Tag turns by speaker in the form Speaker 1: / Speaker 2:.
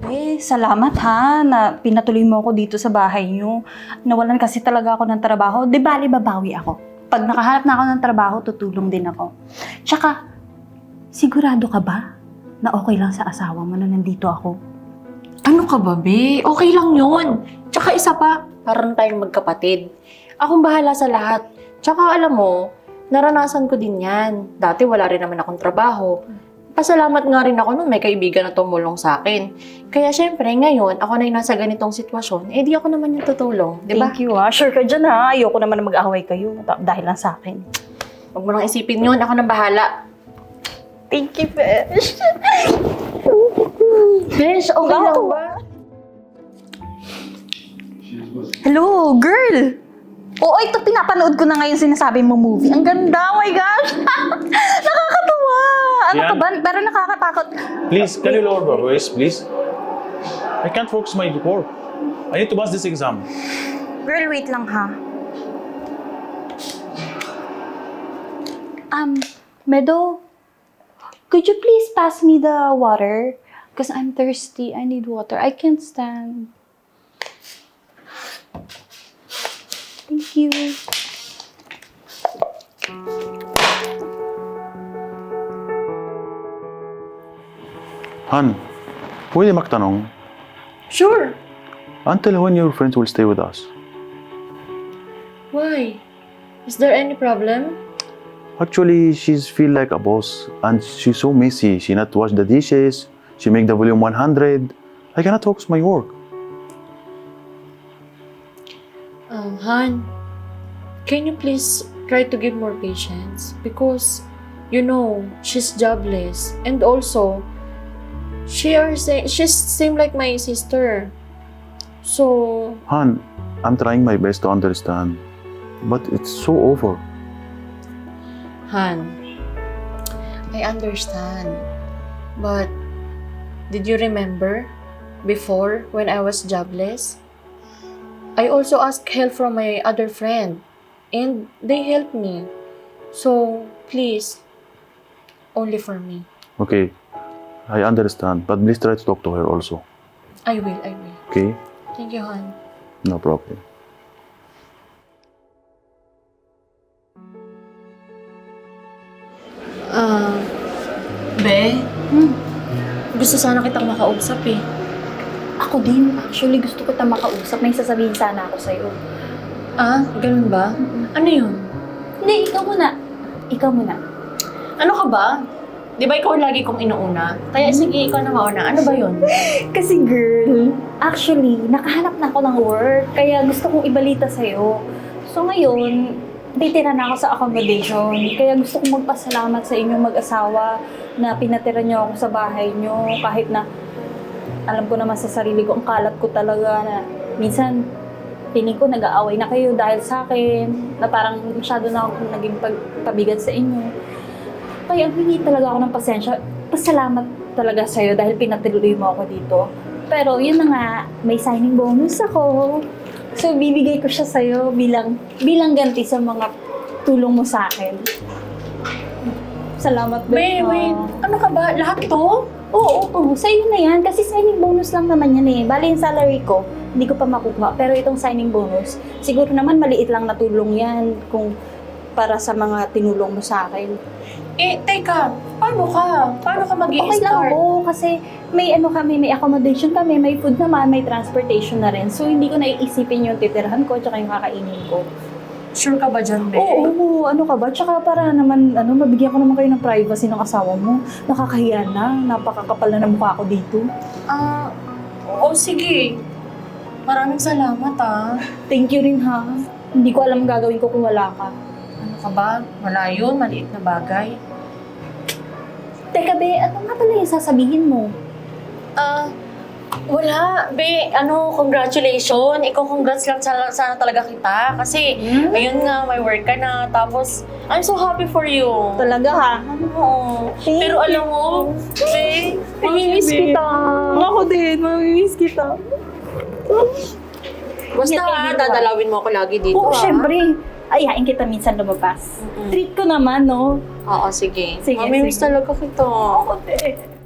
Speaker 1: salamat ha na pinatuloy mo ako dito sa bahay niyo. Nawalan kasi talaga ako ng trabaho. Di bali, babawi ako. Pag nakahanap na ako ng trabaho, tutulong din ako. Tsaka, sigurado ka ba na okay lang sa asawa mo na nandito ako?
Speaker 2: Ano ka ba, be? Okay lang yun. Tsaka isa pa, parang tayong magkapatid. Akong bahala sa lahat. Tsaka alam mo, naranasan ko din yan. Dati wala rin naman akong trabaho. Pasalamat nga rin ako nung may kaibigan na tumulong sa akin. Kaya syempre, ngayon, ako na yung nasa ganitong sitwasyon, di ako naman yung tutulong, di ba?
Speaker 1: Thank you ha. Sure ka dyan ha. Ayoko naman na mag-away kayo dahil lang sa akin.
Speaker 2: Huwag mo nang isipin yun, ako nang bahala.
Speaker 1: Thank you, Besh.
Speaker 2: Besh, okay lang ba?
Speaker 1: Hello, girl! Oo, ito pinapanood ko na ngayon sinasabi mo movie. Ang ganda, oh my gosh! Nakakatuwa! Ano ka ba? Pero nakakatakot.
Speaker 3: Please, can you lower your voice, please? I can't focus my work. I need to pass this exam.
Speaker 1: Girl, wait lang ha. Meadow, could you please pass me the water? Because I'm thirsty. I need water. I can't stand. Thank you.
Speaker 3: Han, pwede magtanong,
Speaker 2: Sure.
Speaker 3: until when your friends will stay with us?
Speaker 2: Why? Is there any problem?
Speaker 3: Actually, she's feel like a boss and she's so messy. She not wash the dishes, she make the volume 100. I cannot focus my work.
Speaker 2: Han, can you please try to give more patience? Because, you know, she's jobless. And also, she's same like my sister. So,
Speaker 3: Han, I'm trying my best to understand, but it's so over.
Speaker 2: Han, I understand. But, did you remember before when I was jobless? I also asked help from my other friend and they helped me. So, please, only for me.
Speaker 3: Okay, I understand, but please try to talk to her also.
Speaker 2: I will.
Speaker 3: Okay?
Speaker 2: Thank you, Han.
Speaker 3: No problem.
Speaker 2: Be? Gusto sana kitang makausap eh.
Speaker 1: Ako din. Actually, gusto ko makausap. May sasabihin sana ako sa'yo.
Speaker 2: Ah, ganun ba? Ano yun?
Speaker 1: Hindi, ikaw muna. Ikaw muna.
Speaker 2: Ano ka ba? Di ba ikaw lagi kong inuuna? Kaya sige, ikaw na mauna. Ano ba yun?
Speaker 1: Kasi girl, actually, nakahanap na ako ng work. Kaya gusto kong ibalita sa'yo. So ngayon, titira na ako sa accommodation. Kaya gusto kong magpasalamat sa inyong mag-asawa na pinatira niyo ako sa bahay niyo. Kahit na alam ko naman sa sarili ko, ang kalat ko talaga na minsan piling ko nag-aaway na kayo dahil sa akin, na parang masyado na akong naging pabigat sa inyo. Kaya hindi talaga ako ng pasensya. Pasalamat talaga sa'yo dahil pinatuloy mo ako dito. Pero yun na nga, may signing bonus ako. So bibigay ko siya sa'yo bilang ganti sa mga tulong mo sa akin. Salamat din.
Speaker 2: Wait. Ano ka ba? Lahat to?
Speaker 1: Oo. Sa'yo na yan. Kasi signing bonus lang naman yan eh. Bali yung salary ko, hindi ko pa makukuha. Pero itong signing bonus, siguro naman maliit lang na tulong yan kung para sa mga tinulong mo sa akin.
Speaker 2: Eh, teka. Paano ka? Paano ka
Speaker 1: Okay lang
Speaker 2: mag-i-start?
Speaker 1: po kasi may may accommodation kami, may food naman, may transportation na rin. So hindi ko naiisipin yung titirhan ko tsaka yung kakainin ko.
Speaker 2: Sure ka ba dyan, Be?
Speaker 1: Oo, ano ka ba? Tsaka para naman, mabigyan ko naman kayo ng privacy ng asawa mo. Nakakahiya na, napakakapal na ng mukha ko dito.
Speaker 2: Oo, sige. Maraming salamat, ah.
Speaker 1: Thank you rin ha. Hindi ko alam gagawin ko kung wala ka.
Speaker 2: Ano ka ba? Wala yun. Maliit na bagay.
Speaker 1: Teka be, ano nga pala yung sasabihin mo?
Speaker 2: Wala. Be, congratulations. Ikaw, congrats lang sana talaga kita. Kasi, ayun nga, may work ka na. Tapos, I'm so happy for you.
Speaker 1: Talaga ha?
Speaker 2: Oo.
Speaker 1: Thank
Speaker 2: Pero alam mo, Be, mamimiss kita.
Speaker 1: Ako din, mamimiss kita.
Speaker 2: Basta dadalawin mo ako lagi dito.
Speaker 1: Oo, syempre. Ayain kita minsan lumabas. Treat ko naman, no?
Speaker 2: Oo, sige.
Speaker 1: Sige,
Speaker 2: Mamimiss
Speaker 1: sige.
Speaker 2: talaga kita.
Speaker 1: Ako din.